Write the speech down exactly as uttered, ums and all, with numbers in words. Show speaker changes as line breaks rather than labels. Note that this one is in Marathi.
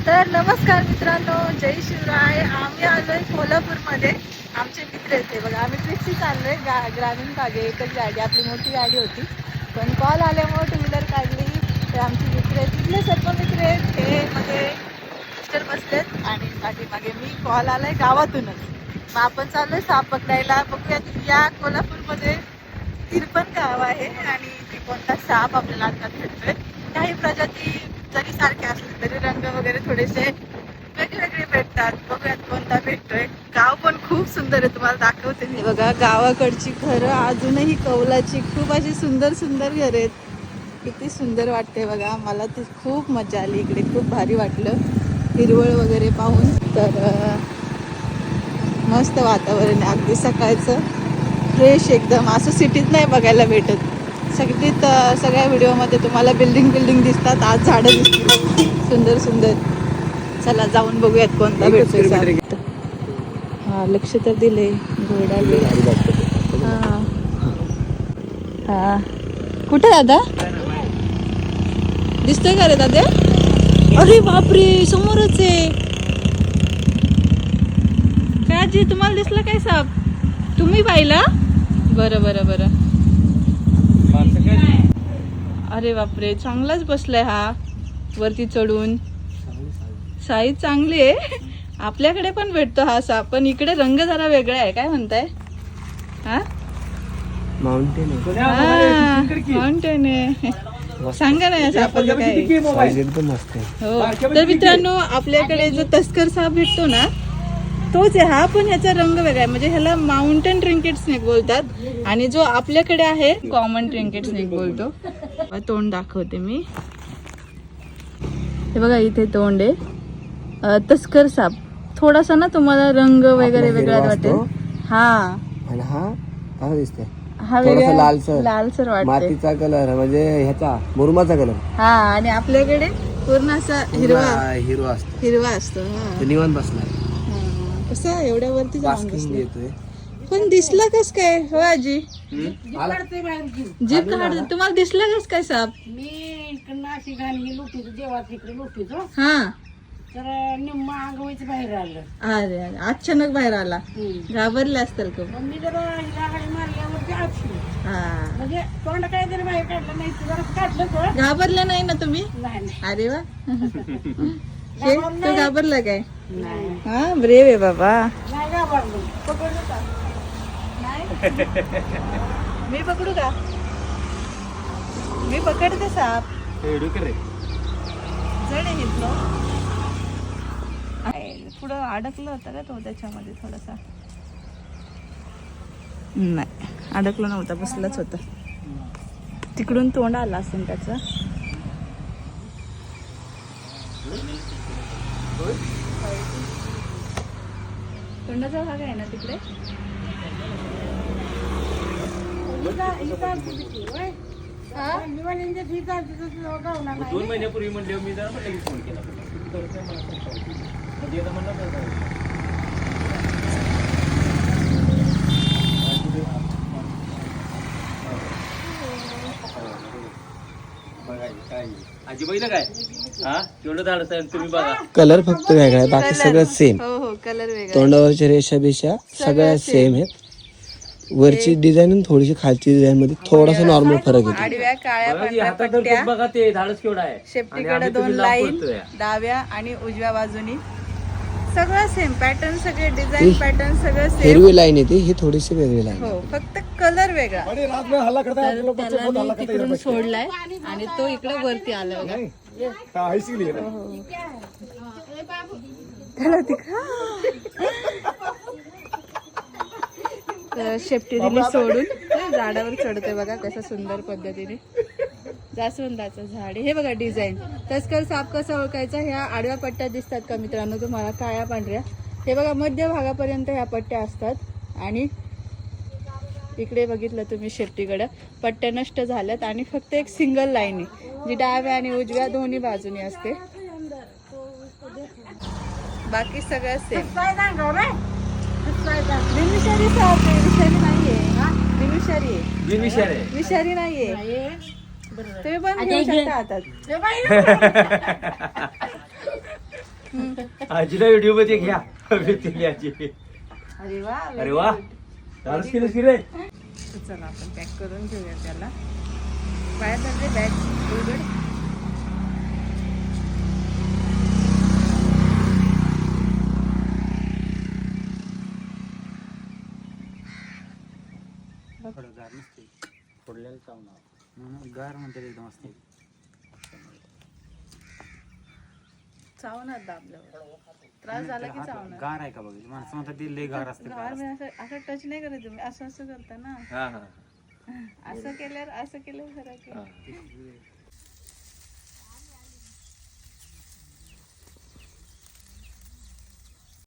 तर नमस्कार मित्रांनो, जय शिवराय. आम्ही आलोय कोल्हापूरमध्ये. आमचे मित्र येते बघा, आम्ही ट्रिपशी चाललोय गा ग्रामीण भागे. एकच गाडी, आपली मोठी गाडी होती, पण कॉल आल्यामुळे टू व्हीलर काढली. तर आमची मित्र आहेत, तिथले सर्व मित्र आहेत. हे मध्ये मिस्टर बसलेत आणि पाठीमागे मी. कॉल आलाय गावातूनच. मग आपण चाललोय साप पकडायला. बघूयात या कोल्हापूरमध्ये तिरपण गाव आहे आणि ती कोणता साप आपल्याला आता भेटतोय. काही प्रजाती जरी सारख्या असले तरी रंग वगैरे थोडेसे वेगवेगळे भेटतात. बघूयात कोणता भेटतोय. गाव पण खूप सुंदर आहे, तुम्हाला दाखवते मी. बघा गावाकडची घरं अजूनही कौलाची खूप अशी सुंदर सुंदर घरं आहेत. किती सुंदर वाटते बघा. मला ती खूप मजा आली इकडे, खूप भारी वाटलं हिरवळ वगैरे पाहून. तर मस्त वातावरण आहे अगदी सकाळचं, फ्रेश एकदम. असं सिटीत नाही बघायला भेटत. सगळीत सगळ्या व्हिडिओमध्ये तुम्हाला बिल्डिंग बिल्डिंग दिसतात, आज झाडं दिसतील सुंदर सुंदर. चला जाऊन बघूयात कोणता भेटतोय साप. हा लक्ष तर दिले, घोडा बी. हा हा कुठे दादा दिसतोय का रे दादा? अरे बापरे, समोरच आहे. काय आजी, तुम्हाला दिसला काय साप? तुम्ही पाहिला? बरं बरं बरं. अरे बापरे, चांगलाच बसलाय हा वरती चढून. साईज चांगली आहे. आपल्याकडे पण भेटतो हा साप, पण इकडे रंग जरा वेगळा आहे. काय म्हणताय? हा
माउंटेन
माउंटेन आहे. सांगा ना या सापाचं काय?
एकदम मस्त आहे.
हो, तर मित्रांनो आपल्याकडे जो तस्कर साप भेटतो ना तोच आहे हा, पण ह्याचा रंग वेगळा आहे. म्हणजे ह्याला माउंटेन ट्रिंकेट स्नेक बोलतात आणि जो आपल्याकडे आहे कॉमन ट्रिंकेट स्नेक बोलतो. तोंड दाखवते मी. हे बघा इथे तोंड आहे. तस्कर साप थोडासा ना तुम्हाला रंग वगैरे वेगळा वाटेल. हा
आणि हा काय दिसतंय?
हा वेगळा
लालसर
लालसर वाटते.
मातीचा कलर म्हणजे ह्याचा मुरुमाचा कलर.
हा आणि आपल्याकडे पूर्ण असा हिरवा
हिरवा असतो.
हिरवा असतो. हा
निवांत बसलाय.
कसं एवढ्या वरती जाऊन बसले.
येतोय
पण दिसला कस काय हो आजी? जीप काढ. तुम्हाला दिसला कस काय साप?
मी नाशी घालली लुटीच देवा तिकडे लुटीच
हा
तर निम्मा अंगवायचं बाहेर आलं.
अरे अरे, अचानक बाहेर आला. घाबरले असतील का?
मग मी जरा हिला गाडी मारल्यावरती आठवली.
हा
म्हणजे तोंड काय तरी बाहेर काढलं नाही, जरा काढलं तर
घाबरले नाही ना तुम्ही?
नाही नाही.
अरे वा. हे, तू घाबरला काय?
नाही
हा ब्रेव आहे बाबा.
नाही घाबरलो.
पकडू का? नाही मी पकडू का? मी पकडते साप. जड आहे इथलं. पुढं अडकलं होतं का तो त्याच्यामध्ये थोडासा? नाही अडकलं नव्हता, बसलाच होता. तिकडून तोंड आला असेल त्याचं. तोंडाचा भाग आहे ना तिकडे.
दोन महिन्यापूर्वी म्हणले मी जरा म्हटलं की फोन केला. आजी बघितलं काय? हा तेवढं धाडस आहे तुम्ही बघा.
कलर फक्त वेगळा आहे, बाकी सगळं सेम.
हो हो कलर वेगळा.
तोंडावरच्या रेषा बिशा सगळ्या सेम आहेत. वरची डिझाईन आणि थोडीशी खालची डिझाईन मध्ये थोडासा नॉर्मल फरक येतो.
आडव्या काळ्या पांढऱ्या
हातात
पट्ट्या,
बघा ते धाडस केवढा आहे.
शेपटीकडे दोन लाईन डाव्या आणि उजव्या बाजूनी. सगळं सेम पॅटर्न, सगळे डिझाईन पॅटर्न सगळं सेम.
हिरवी लाईन येते, ही थोडीशी वेगळी लाईन.
हो फक्त कलर वेगळा. तर त्याला मी तिकडून सोडलाय आणि तो इकडे वरती आला बघा. त्याला तर शेपटी दिली सोडून, झाडावर चढतोय बघा कसं सुंदर पद्धतीने. जास्वंदाचं झाड हे बघा डिझाईन. तस्कर साप कसा ओळखायचा? ह्या आडव्या पट्ट्या दिसतात का मित्रांनो तुम्हाला, काळ्या पांढऱ्या? हे बघा मध्य भागापर्यंत ह्या पट्ट्या असतात आणि इकडे बघितलं तुम्ही शेपटीकडं पट्ट्या नष्ट झाल्यात आणि फक्त एक सिंगल लाईन आहे जी डाव्या आणि उजव्या दोन्ही बाजूनी असते. बाकी सगळं सेम. बिनविषारी साप आहे, विषारी नाहीये. बिनविषारी आहे,
बिनविषारी आहे.
विषारी नाहीये. तुम्ही पण घेऊ शकता हातात.
आजीला व्हिडिओ मध्ये घ्या भेटली आजी.
अरे वा
अरे वा धाडस केलंस की रे.
तर चला आपण पॅक करून घेऊया त्याला. बाहेर जाते बॅग उघड.
गार नसते फोडलेलं चावणार गार म्हणते एकदम असते.
चावणार दाबल्यावर त्रास झाला की चावणार.
गार आहे का बघ माणसं म्हणतात ते लय गार असते.
गार म्हणजे असं असं टच नाही करत तुम्ही, असं असं करता ना. असं केल्यावर असं केल्यावर फरक आहे.